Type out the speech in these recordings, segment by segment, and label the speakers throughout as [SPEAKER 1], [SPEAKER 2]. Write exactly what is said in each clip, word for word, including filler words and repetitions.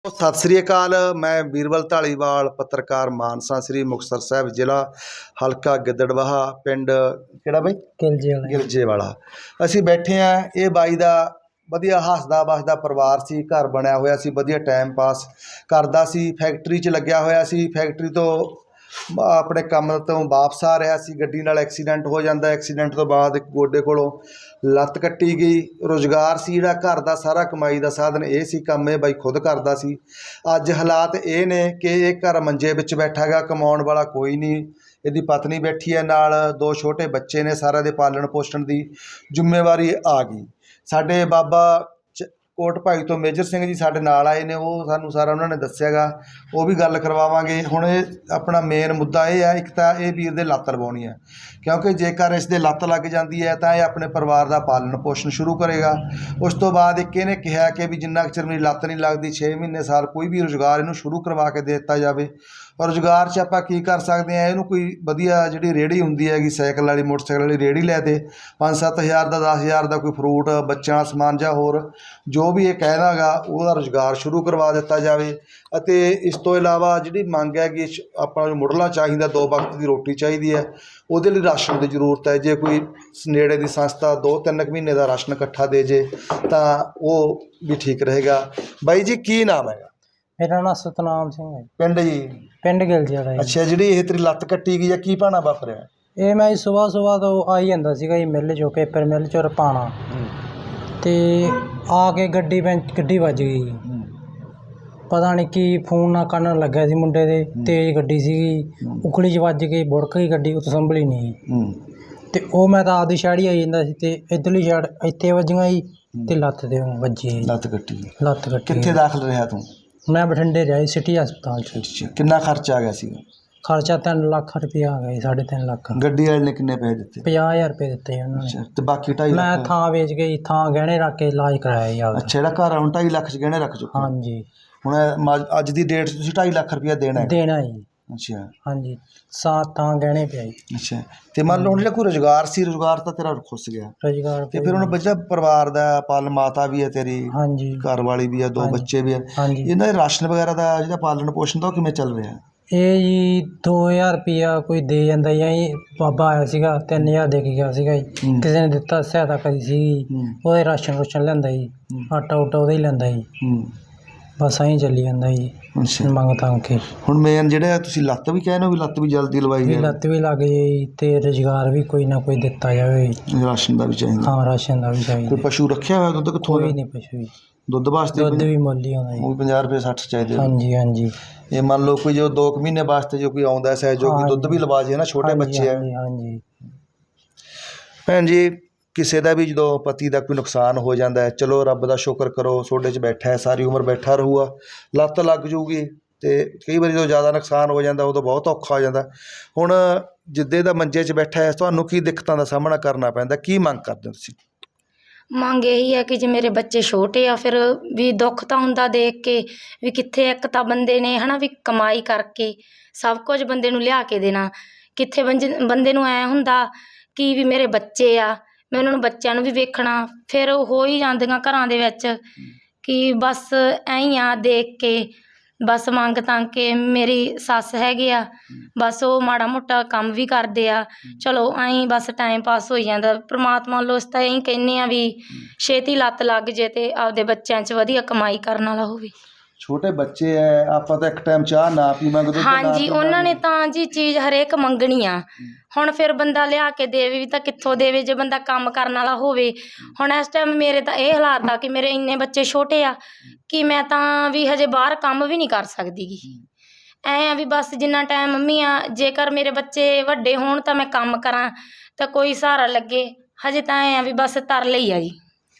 [SPEAKER 1] ਸਤਿ ਸ੍ਰੀ ਅਕਾਲ। ਮੈਂ ਬੀਰਬਲ ਢਾਲੀਵਾਲ, ਪੱਤਰਕਾਰ, ਮਾਨਸਾ, ਸ੍ਰੀ ਮੁਕਤਸਰ ਸਾਹਿਬ, ਜ਼ਿਲ੍ਹਾ ਹਲਕਾ ਗਿੱਦੜਬਾਹਾ, ਪਿੰਡ ਕਿਹੜਾ ਬਾਈ?
[SPEAKER 2] ਗਿਲਜੇ ਵਾਲਾ।
[SPEAKER 1] ਗਿਲਜੇ ਵਾਲਾ। ਅਸੀਂ ਬੈਠੇ ਹਾਂ। ਇਹ ਬਾਈ ਦਾ ਵਧੀਆ ਹੱਸਦਾ ਵੱਸਦਾ ਪਰਿਵਾਰ ਸੀ, ਘਰ ਬਣਿਆ ਹੋਇਆ ਸੀ, ਵਧੀਆ ਟਾਈਮ ਪਾਸ ਕਰਦਾ ਸੀ, ਫੈਕਟਰੀ 'ਚ ਲੱਗਿਆ ਹੋਇਆ ਸੀ। ਫੈਕਟਰੀ ਤੋਂ ਆਪਣੇ ਕੰਮ ਤੋਂ ਵਾਪਸ ਆ ਰਿਹਾ ਸੀ, ਗੱਡੀ ਨਾਲ ਐਕਸੀਡੈਂਟ ਹੋ ਜਾਂਦਾ। ਐਕਸੀਡੈਂਟ ਤੋਂ ਬਾਅਦ ਇੱਕ ਗੋਡੇ ਕੋਲੋਂ ਲੱਤ ਕੱਟੀ ਗਈ। ਰੁਜ਼ਗਾਰ ਸੀ ਜਿਹੜਾ ਘਰ ਦਾ, ਸਾਰਾ ਕਮਾਈ ਦਾ ਸਾਧਨ ਇਹ ਸੀ, ਕੰਮ ਇਹ ਬਾਈ ਖੁਦ ਕਰਦਾ ਸੀ। ਅੱਜ ਹਾਲਾਤ ਇਹ ਨੇ ਕਿ ਇਹ ਘਰ ਮੰਜੇ ਵਿੱਚ ਬੈਠਾ ਗਾ, ਕਮਾਉਣ ਵਾਲਾ ਕੋਈ ਨਹੀਂ। ਇਹਦੀ ਪਤਨੀ ਬੈਠੀ ਹੈ ਨਾਲ, ਦੋ ਛੋਟੇ ਬੱਚੇ ਨੇ, ਸਾਰਿਆਂ ਦੇ ਪਾਲਣ ਪੋਸ਼ਣ ਦੀ ਜ਼ਿੰਮੇਵਾਰੀ ਆ ਗਈ। ਸਾਡੇ ਬਾਬਾ ਚ ਕੋਟ ਭਾਈ ਤੋਂ ਮੇਜਰ ਸਿੰਘ ਜੀ ਸਾਡੇ ਨਾਲ ਆਏ ਨੇ, ਉਹ ਸਾਨੂੰ ਸਾਰਾ ਉਹਨਾਂ ਨੇ ਦੱਸਿਆ ਗਾ, ਉਹ ਵੀ ਗੱਲ ਕਰਵਾਵਾਂਗੇ। ਹੁਣ ਇਹ ਆਪਣਾ ਮੇਨ ਮੁੱਦਾ ਇਹ ਹੈ, ਇੱਕ ਤਾਂ ਇਹ ਵੀਰ ਦੇ ਲੱਤ ਲਵਾਉਣੀ ਹੈ, ਕਿਉਂਕਿ ਜੇਕਰ ਇਸ ਦੇ ਲੱਤ ਲੱਗ ਜਾਂਦੀ ਹੈ ਤਾਂ ਇਹ ਆਪਣੇ ਪਰਿਵਾਰ ਦਾ ਪਾਲਣ ਪੋਸ਼ਣ ਸ਼ੁਰੂ ਕਰੇਗਾ। ਉਸ ਤੋਂ ਬਾਅਦ ਇੱਕ ਇਹਨੇ ਕਿਹਾ ਕਿ ਵੀ ਜਿੰਨਾ ਕੁ ਚਿਰ ਮੇਰੀ ਲੱਤ ਨਹੀਂ ਲੱਗਦੀ, ਛੇ ਮਹੀਨੇ ਸਾਲ ਕੋਈ ਵੀ ਰੁਜ਼ਗਾਰ ਇਹਨੂੰ ਸ਼ੁਰੂ ਕਰਵਾ ਕੇ ਦੇ ਦਿੱਤਾ ਜਾਵੇ। ਔਰ ਰੁਜ਼ਗਾਰ 'ਚ ਆਪਾਂ ਕੀ ਕਰ ਸਕਦੇ ਹਾਂ, ਇਹਨੂੰ ਕੋਈ ਵਧੀਆ ਜਿਹੜੀ ਰੇਹੜੀ ਹੁੰਦੀ ਹੈਗੀ, ਸਾਈਕਲ ਵਾਲੀ, ਮੋਟਰਸਾਈਕਲ ਵਾਲੀ ਰੇਹੜੀ ਲੈ ਦੇ, ਪੰਜ ਸੱਤ ਹਜ਼ਾਰ ਦਾ, ਦਸ ਹਜ਼ਾਰ ਦਾ ਕੋਈ ਫਰੂਟ, ਬੱਚਿਆਂ ਦਾ ਸਮਾਨ ਜਾਂ ਹੋਰ ਜੋ ਵੀ ਇਹ ਕਹਿੰਦਾ ਗਾ, ਉਹਦਾ ਰੁਜ਼ਗਾਰ ਸ਼ੁਰੂ ਕਰਵਾ ਦਿੱਤਾ ਜਾਵੇ। ਅਤੇ ਇਸ ਤੋਂ ਇਲਾਵਾ ਜਿਹੜੀ ਮੰਗ ਹੈਗੀ, ਆਪਾਂ ਨੂੰ ਮੁੱਢਲਾ ਚਾਹੀਦਾ, ਦੋ ਵਕਤ ਦੀ ਰੋਟੀ ਚਾਹੀਦੀ ਹੈ, ਉਹਦੇ ਲਈ ਰਾਸ਼ਨ ਦੀ ਜ਼ਰੂਰਤ ਹੈ। ਜੇ ਕੋਈ ਨੇੜੇ ਦੀ ਸੰਸਥਾ ਦੋ ਤਿੰਨ ਕੁ ਮਹੀਨੇ ਦਾ ਰਾਸ਼ਨ ਇਕੱਠਾ ਦੇ ਜੇ ਤਾਂ ਉਹ ਵੀ ਠੀਕ ਰਹੇਗਾ। ਬਾਈ ਜੀ ਕੀ ਨਾਮ ਹੈਗਾ?
[SPEAKER 2] ਮੇਰਾ ਨਾਮ ਸਤਨਾਮ ਸਿੰਘ ਹੈ।
[SPEAKER 1] ਪਿੰਡ ਜੀ?
[SPEAKER 2] ਪਿੰਡ ਗਿਲਜੇ ਵਾਲਾ ਜੀ।
[SPEAKER 1] ਅੱਛਾ, ਜਿਹੜੀ ਇਹ ਤੇਰੀ ਲੱਤ ਕੱਟੀ ਗਈ ਆ, ਕੀ ਭਾਣਾ ਵਾਪਰਿਆ?
[SPEAKER 2] ਇਹ ਮੈਂ ਸੁਬਾਹ ਸੁਬਾਹ ਤੋਂ ਆਈ ਜਾਂਦਾ ਸੀਗਾ ਜੀ ਮਿੱਲ 'ਚੋਂ, ਪੇਪਰ ਮਿੱਲ 'ਚੋਂ ਰਪਾਣਾ, ਅਤੇ ਆ ਕੇ ਗੱਡੀ ਬੈਂਚ ਗੱਡੀ ਵੱਜ ਗਈ। ਪਤਾ ਨਹੀਂ ਕੀ ਫੋਨ ਨਾ ਕੰਨ ਲੱਗਿਆ ਸੀ ਮੁੰਡੇ ਦੇ, ਤੇਜ਼ ਗੱਡੀ ਸੀਗੀ, ਉਖਲੀ 'ਚ ਵੱਜ ਕੇ ਬੁੜਕ ਗਈ ਗੱਡੀ, ਉਹ ਸੰਭਲੀ ਨਹੀਂ। ਅਤੇ ਉਹ ਮੈਂ ਤਾਂ ਆਪਦੀ ਸਾਈਡ ਹੀ ਆਈ ਜਾਂਦਾ ਸੀ, ਅਤੇ ਇੱਧਰਲੀ ਸਾਈਡ ਇੱਥੇ ਵੱਜੀਆਂ ਜੀ, ਅਤੇ ਲੱਤ 'ਤੇ ਵੱਜੀ। ਲੱਤ ਕੱਟੀ? ਲੱਤ ਕੱਟੀ। ਕਿੱਥੇ ਦਾਖਲ ਰਿਹਾ ਤੂੰ? ਮੈਂ ਬਠਿੰਡੇ ਰਿਹਾ ਜੀ, ਸਿਟੀ ਹਸਪਤਾਲ 'ਚ। ਕਿੰਨਾ ਖਰਚਾ ਆ ਗਿਆ ਸੀ? ਖਰਚਾ ਤਿੰਨ ਲੱਖ ਰੁਪਇਆ ਆ ਗਿਆ ਜੀ, ਸਾਢੇ ਤਿੰਨ ਲੱਖ। ਗੱਡੀ ਵਾਲੇ ਨੇ ਕਿੰਨੇ ਪੈਸੇ ਦਿੱਤੇ? ਪੰਜਾਹ ਹਜ਼ਾਰ ਰੁਪਏ ਦਿੱਤੇ ਜੀ ਉਹਨਾਂ ਨੇ। ਅਤੇ ਬਾਕੀ ਢਾਈ ਲੱਖ? ਮੈਂ ਥਾਂ ਵੇਚ ਕੇ ਥਾਂ ਗਹਿਣੇ ਰੱਖ ਕੇ ਇਲਾਜ ਕਰਾਇਆ ਜੀ ਆਪਦਾ। ਅੱਛਾ, ਜਿਹੜਾ ਘਰ ਹੁਣ ਢਾਈ ਲੱਖ 'ਚ ਗਹਿਣੇ ਰੱਖ ਚੁੱਕੇ? ਹਾਂਜੀ। ਹੁਣ ਅੱਜ ਦੀ ਡੇਟ 'ਚ ਤੁਸੀਂ ਢਾਈ ਲੱਖ ਰੁਪਇਆ ਦੇਣਾ? ਦੇਣਾ ਜੀ। ਅੱਛਾ। ਹਾਂਜੀ, ਸਾਤ ਥਾਂ ਗਹਿਣੇ ਪਿਆ ਜੀ। ਅੱਛਾ, ਅਤੇ ਮੰਨ ਲਓ ਹੁਣ ਜਿਹੜਾ ਕੋਈ ਰੁਜ਼ਗਾਰ ਸੀ, ਰੁਜ਼ਗਾਰ ਤਾਂ ਤੇਰਾ ਖੁੱਸ ਗਿਆ। ਰੁਜ਼ਗਾਰ ਅਤੇ ਫਿਰ ਹੁਣ ਬੱਚਾ ਪਰਿਵਾਰ ਦਾ ਪਾਲਣ, ਮਾਤਾ ਵੀ ਹੈ ਤੇਰੀ? ਹਾਂਜੀ। ਘਰ ਵਾਲੀ ਵੀ ਹੈ, ਦੋ ਬੱਚੇ ਵੀ ਹੈ। ਹਾਂਜੀ। ਇਹਨਾਂ ਦੇ ਰਾਸ਼ਨ ਵਗੈਰਾ ਦਾ ਜਿਹੜਾ ਪਾਲਣ ਪੋਸ਼ਣ ਦਾ ਉਹ ਕਿਵੇਂ ਚੱਲ ਰਿਹਾ? ਇਹ ਜੀ ਦੋ ਹਜ਼ਾਰ ਰੁਪਈਆ ਕੋਈ ਦੇ ਜਾਂਦਾ ਜੀ। ਬਾਬਾ ਆਇਆ ਸੀਗਾ, ਤਿੰਨ ਹਜ਼ਾਰ ਦੇ ਕੇ ਗਿਆ ਸੀਗਾ ਜੀ। ਕਿਸੇ ਨੇ ਦਿੱਤਾ, ਸਹਾਇਤਾ ਕਰੀ ਸੀਗੀ, ਉਹਦੇ ਰਾਸ਼ਨ ਰੂਸ਼ਨ ਲੈਂਦਾ ਜੀ, ਆਟਾ ਊਟਾ ਉਹਦਾ ਹੀ ਲੈਂਦਾ ਜੀ। ਬਸ ਐਂ ਚੱਲੀ ਜਾਂਦਾ ਜੀ ਮੰਗ ਤੰਗ ਕੇ। ਹੁਣ ਮੇਨ ਜਿਹੜਾ ਤੁਸੀਂ ਲੱਤ ਵੀ ਕਹਿੰਦੇ ਹੋ ਵੀ ਲੱਤ ਵੀ ਜਲਦੀ ਲਵਾਈ ਜਾਵੇ? ਲੱਤ ਵੀ ਲੱਗ ਜਾਏ ਅਤੇ ਰੁਜ਼ਗਾਰ ਵੀ ਕੋਈ ਨਾ ਕੋਈ ਦਿੱਤਾ ਜਾਵੇ। ਰਾਸ਼ਨ ਦਾ ਵੀ ਚਾਹੀਦਾ? ਹਾਂ, ਰਾਸ਼ਨ ਦਾ ਵੀ ਚਾਹੀਦਾ। ਕੋਈ ਪਸ਼ੂ ਰੱਖਿਆ ਹੋਇਆ? ਦੁੱਧ ਕਿੱਥੋਂ? ਕੋਈ ਨਹੀਂ ਪਸ਼ੂ ਜੀ। ਦੁੱਧ ਵਾਸਤੇ? ਦੁੱਧ ਵੀ ਮੁੱਲ ਹੀ ਆਉਂਦਾ ਜੀ। ਉਹ ਪੰਜਾਹ ਰੁਪਏ ਸੱਠ ਚਾਹੀਦੇ? ਹਾਂਜੀ ਹਾਂਜੀ। ਇਹ ਮੰਨ ਲਓ ਕੋਈ ਜੋ ਦੋ ਕੁ ਮਹੀਨੇ ਵਾਸਤੇ ਜੋ ਕੋਈ ਆਉਂਦਾ ਸਹਿਯੋਗੀ, ਦੁੱਧ ਵੀ ਲਵਾ ਜੇ ਨਾ, ਛੋਟੇ ਬੱਚੇ ਆ। ਹਾਂਜੀ। ਭੈਣ ਜੀ, ਕਿਸੇ ਦਾ ਵੀ ਜਦੋਂ ਪਤੀ ਦਾ ਕੋਈ ਨੁਕਸਾਨ ਹੋ ਜਾਂਦਾ ਹੈ, ਚਲੋ ਰੱਬ ਦਾ ਸ਼ੁਕਰ ਕਰੋ, ਤੁਹਾਡੇ 'ਚ ਬੈਠਾ ਹੈ, ਸਾਰੀ ਉਮਰ ਬੈਠਾ ਰਹੂਗਾ। ਲੱਤ ਲੱਗ ਜੂਗੀ ਅਤੇ ਕਈ ਵਾਰੀ ਜਦੋਂ ਜ਼ਿਆਦਾ ਨੁਕਸਾਨ ਹੋ ਜਾਂਦਾ ਉਦੋਂ ਬਹੁਤ ਔਖਾ ਹੋ ਜਾਂਦਾ। ਹੁਣ ਜਿੱਦੇ ਦਾ ਮੰਜੇ 'ਚ ਬੈਠਾ ਹੈ, ਤੁਹਾਨੂੰ ਕੀ ਦਿੱਕਤਾਂ ਦਾ ਸਾਹਮਣਾ ਕਰਨਾ ਪੈਂਦਾ? ਕੀ ਮੰਗ ਕਰਦੇ ਹੋ ਤੁਸੀਂ?
[SPEAKER 3] ਮੰਗ ਇਹੀ ਹੈ ਕਿ ਜੇ ਮੇਰੇ ਬੱਚੇ ਛੋਟੇ ਆ, ਫਿਰ ਵੀ ਦੁੱਖ ਤਾਂ ਹੁੰਦਾ ਦੇਖ ਕੇ ਵੀ ਕਿੱਥੇ ਇੱਕ ਤਾਂ ਬੰਦੇ ਨੇ ਹੈ ਨਾ ਵੀ ਕਮਾਈ ਕਰਕੇ ਸਭ ਕੁਝ ਬੰਦੇ ਨੂੰ ਲਿਆ ਕੇ ਦੇਣਾ, ਕਿੱਥੇ ਬੰਦੇ ਬੰਦੇ ਨੂੰ ਐਂ ਹੁੰਦਾ ਕਿ ਵੀ ਮੇਰੇ ਬੱਚੇ ਆ, ਮੈਂ ਉਹਨਾਂ ਨੂੰ ਬੱਚਿਆਂ ਨੂੰ ਵੀ ਵੇਖਣਾ। ਫਿਰ ਹੋ ਹੀ ਜਾਂਦੀਆਂ ਘਰਾਂ ਦੇ ਵਿੱਚ ਕਿ ਬਸ ਐਂ ਹੀ ਆ ਦੇਖ ਕੇ, ਬਸ ਮੰਗ ਤੰਗ ਕੇ। ਮੇਰੀ ਸੱਸ ਹੈਗੇ ਆ, ਬਸ ਉਹ ਮਾੜਾ ਮੋਟਾ ਕੰਮ ਵੀ ਕਰਦੇ ਆ, ਚਲੋ ਐਂ ਬਸ ਟਾਈਮ ਪਾਸ ਹੋਈ ਜਾਂਦਾ। ਪਰਮਾਤਮਾ ਵੱਲੋਂ ਅਸੀਂ ਤਾਂ ਇਹੀ ਕਹਿੰਦੇ ਹਾਂ ਵੀ ਛੇਤੀ ਲੱਤ ਲੱਗ ਜੇ ਅਤੇ ਆਪਦੇ ਬੱਚਿਆਂ 'ਚ ਵਧੀਆ ਕਮਾਈ ਕਰਨ ਵਾਲਾ ਹੋਵੇ।
[SPEAKER 1] ਛੋਟੇ ਬੱਚੇ ਹੈ, ਆਪਾਂ ਤਾਂ ਇੱਕ ਟਾਈਮ ਚਾਹ ਨਾ ਪੀਵਾਂਗੇ?
[SPEAKER 3] ਹਾਂਜੀ, ਉਹਨਾਂ ਨੇ ਤਾਂ ਜੀ ਚੀਜ਼ ਹਰੇਕ ਮੰਗਣੀ ਆ। ਹੁਣ ਫਿਰ ਬੰਦਾ ਲਿਆ ਕੇ ਦੇਵੇ ਵੀ ਤਾਂ ਕਿੱਥੋਂ ਦੇਵੇ ਜੇ ਬੰਦਾ ਕੰਮ ਕਰਨ ਵਾਲਾ ਹੋਵੇ। ਹੁਣ ਇਸ ਟਾਈਮ ਮੇਰੇ ਤਾਂ ਇਹ ਹਾਲਾਤ ਆ ਕਿ ਮੇਰੇ ਇੰਨੇ ਬੱਚੇ ਛੋਟੇ ਆ ਕਿ ਮੈਂ ਤਾਂ ਵੀ ਹਜੇ ਬਾਹਰ ਕੰਮ ਵੀ ਨਹੀਂ ਕਰ ਸਕਦੀ ਗੀ। ਐਂ ਆ ਵੀ ਬਸ ਜਿੰਨਾ ਟਾਈਮ ਮੰਮੀ ਆ, ਜੇਕਰ ਮੇਰੇ ਬੱਚੇ ਵੱਡੇ ਹੋਣ ਤਾਂ ਮੈਂ ਕੰਮ ਕਰਾਂ ਤਾਂ ਕੋਈ ਸਹਾਰਾ ਲੱਗੇ। ਹਜੇ ਤਾਂ ਐਂ ਆ ਵੀ ਬਸ ਤਰਲੇ ਹੀ ਆ ਜੀ।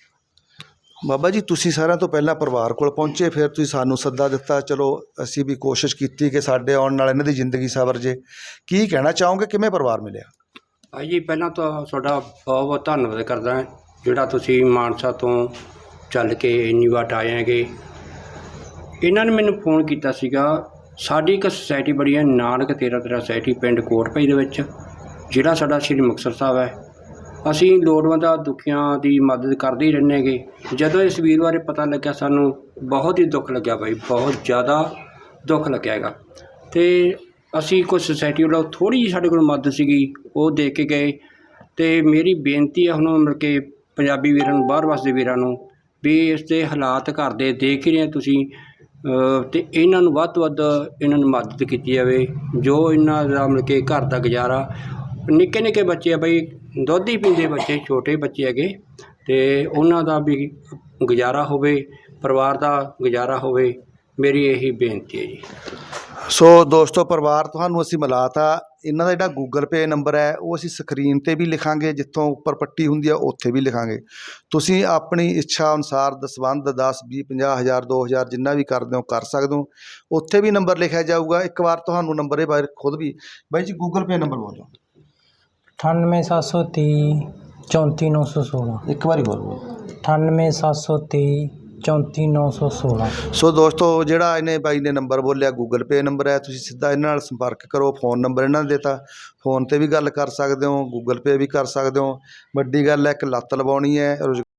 [SPEAKER 1] ਬਾਬਾ ਜੀ, ਤੁਸੀਂ ਸਾਰਿਆਂ ਤੋਂ ਪਹਿਲਾਂ ਪਰਿਵਾਰ ਕੋਲ ਪਹੁੰਚੇ, ਫਿਰ ਤੁਸੀਂ ਸਾਨੂੰ ਸੱਦਾ ਦਿੱਤਾ। ਚਲੋ ਅਸੀਂ ਵੀ ਕੋਸ਼ਿਸ਼ ਕੀਤੀ ਕਿ ਸਾਡੇ ਆਉਣ ਨਾਲ ਇਹਨਾਂ ਦੀ ਜ਼ਿੰਦਗੀ ਸਵਰ ਜੇ। ਕੀ ਕਹਿਣਾ ਚਾਹੋਗੇ, ਕਿਵੇਂ ਪਰਿਵਾਰ ਮਿਲਿਆ?
[SPEAKER 4] ਭਾਈ ਜੀ, ਪਹਿਲਾਂ ਤਾਂ ਤੁਹਾਡਾ ਬਹੁਤ ਬਹੁਤ ਧੰਨਵਾਦ ਕਰਦਾ, ਜਿਹੜਾ ਤੁਸੀਂ ਮਾਨਸਾ ਤੋਂ ਚੱਲ ਕੇ ਇੰਨੀ ਵਾਟ ਆਏ ਹੈਗੇ। ਇਹਨਾਂ ਨੇ ਮੈਨੂੰ ਫੋਨ ਕੀਤਾ ਸੀਗਾ। ਸਾਡੀ ਇੱਕ ਸੁਸਾਇਟੀ ਬੜੀ ਹੈ, ਨਾਨਕ ਤੇਰਾ ਤੇਰਾ ਸੁਸਾਇਟੀ, ਪਿੰਡ ਕੋਟ ਭਾਈ ਦੇ ਵਿੱਚ, ਜਿਹੜਾ ਸਾਡਾ ਸ਼੍ਰੀ ਮੁਕਤਸਰ ਸਾਹਿਬ ਹੈ। ਅਸੀਂ ਲੋੜਵੰਦਾਂ ਦੁਖੀਆਂ ਦੀ ਮਦਦ ਕਰਦੇ ਹੀ ਰਹਿੰਦੇ ਹੈਗੇ। ਜਦੋਂ ਇਸ ਵੀਰ ਬਾਰੇ ਪਤਾ ਲੱਗਿਆ ਸਾਨੂੰ ਬਹੁਤ ਹੀ ਦੁੱਖ ਲੱਗਿਆ ਬਾਈ, ਬਹੁਤ ਜ਼ਿਆਦਾ ਦੁੱਖ ਲੱਗਿਆ ਹੈਗਾ। ਅਤੇ ਅਸੀਂ ਕੁਛ ਸੁਸਾਇਟੀ ਵੱਲੋਂ ਥੋੜ੍ਹੀ ਜਿਹੀ ਸਾਡੇ ਕੋਲ ਮਦਦ ਸੀਗੀ ਉਹ ਦੇ ਕੇ ਗਏ। ਅਤੇ ਮੇਰੀ ਬੇਨਤੀ ਹੈ ਹੁਣ ਮਤਲਬ ਕਿ ਪੰਜਾਬੀ ਵੀਰਾਂ ਨੂੰ, ਬਾਹਰ ਵਸਦੇ ਵੀਰਾਂ ਨੂੰ, ਵੀ ਇਸ ਦੇ ਹਾਲਾਤ ਘਰ ਦੇ ਦੇਖ ਹੀ ਰਹੇ ਤੁਸੀਂ, ਅਤੇ ਇਹਨਾਂ ਨੂੰ ਵੱਧ ਤੋਂ ਵੱਧ ਇਹਨਾਂ ਨੂੰ ਮਦਦ ਕੀਤੀ ਜਾਵੇ। ਜੋ ਇਹਨਾਂ ਦਾ ਮਤਲਬ ਕਿ ਘਰ ਦਾ ਗੁਜ਼ਾਰਾ, ਨਿੱਕੇ ਨਿੱਕੇ ਬੱਚੇ ਆ ਬਈ, ਦੁੱਧ ਹੀ ਪੀਂਦੇ ਬੱਚੇ, ਛੋਟੇ ਬੱਚੇ ਹੈਗੇ, ਅਤੇ ਉਹਨਾਂ ਦਾ ਵੀ ਗੁਜ਼ਾਰਾ ਹੋਵੇ, ਪਰਿਵਾਰ ਦਾ ਗੁਜ਼ਾਰਾ ਹੋਵੇ, ਮੇਰੀ ਇਹੀ ਬੇਨਤੀ ਹੈ ਜੀ।
[SPEAKER 1] ਸੋ ਦੋਸਤੋ, ਪਰਿਵਾਰ ਤੁਹਾਨੂੰ ਅਸੀਂ ਮਿਲਾਤਾ। ਇਹਨਾਂ ਦਾ ਜਿਹੜਾ ਗੂਗਲ ਪੇ ਨੰਬਰ ਹੈ ਉਹ ਅਸੀਂ ਸਕਰੀਨ 'ਤੇ ਵੀ ਲਿਖਾਂਗੇ, ਜਿੱਥੋਂ ਉੱਪਰ ਪੱਟੀ ਹੁੰਦੀ ਆ ਉੱਥੇ ਵੀ ਲਿਖਾਂਗੇ। ਤੁਸੀਂ ਆਪਣੀ ਇੱਛਾ ਅਨੁਸਾਰ ਦਸਵੰਧ ਦਸ ਵੀਹ ਪੰਜਾਹ ਹਜ਼ਾਰ ਦੋ ਹਜ਼ਾਰ ਜਿੰਨਾ ਵੀ ਕਰਦੇ ਹੋ ਕਰ ਸਕਦੇ ਹੋ। ਉੱਥੇ ਵੀ ਨੰਬਰ ਲਿਖਿਆ ਜਾਊਗਾ। ਇੱਕ ਵਾਰ ਤੁਹਾਨੂੰ ਨੰਬਰ ਇਹ ਬਾਰੇ ਖੁਦ ਵੀ ਬਾਈ ਜੀ ਗੂਗਲ ਪੇ ਨੰਬਰ ਬੋਲੋ।
[SPEAKER 2] ਅਠਾਨਵੇਂ ਸੱਤ ਸੌ ਤੀਹ ਚੌਂਤੀ ਨੌ ਸੌ ਸੋਲਾਂ।
[SPEAKER 1] ਇੱਕ ਵਾਰੀ ਬੋਲੋ।
[SPEAKER 2] ਅਠਾਨਵੇਂ ਸੱਤ ਸੌ ਤੀਹ ਚੌਂਤੀ ਨੌ ਸੌ ਸੋਲਾਂ।
[SPEAKER 1] ਸੋ ਦੋਸਤੋ, ਜਿਹੜਾ ਇਹਨੇ ਬਾਈ ਨੇ ਨੰਬਰ ਬੋਲਿਆ ਗੂਗਲ ਪੇ ਨੰਬਰ ਹੈ। ਤੁਸੀਂ ਸਿੱਧਾ ਇਹਨਾਂ ਨਾਲ ਸੰਪਰਕ ਕਰੋ। ਫ਼ੋਨ ਨੰਬਰ ਇਹਨਾਂ ਨੇ ਦਿੱਤਾ, ਫ਼ੋਨ 'ਤੇ ਵੀ ਗੱਲ ਕਰ ਸਕਦੇ ਹੋ, ਗੂਗਲ ਪੇ ਵੀ ਕਰ ਸਕਦੇ ਹੋ। ਵੱਡੀ ਗੱਲ ਹੈ ਇੱਕ ਲੱਤ ਲਵਾਉਣੀ ਹੈ, ਰੁਜ਼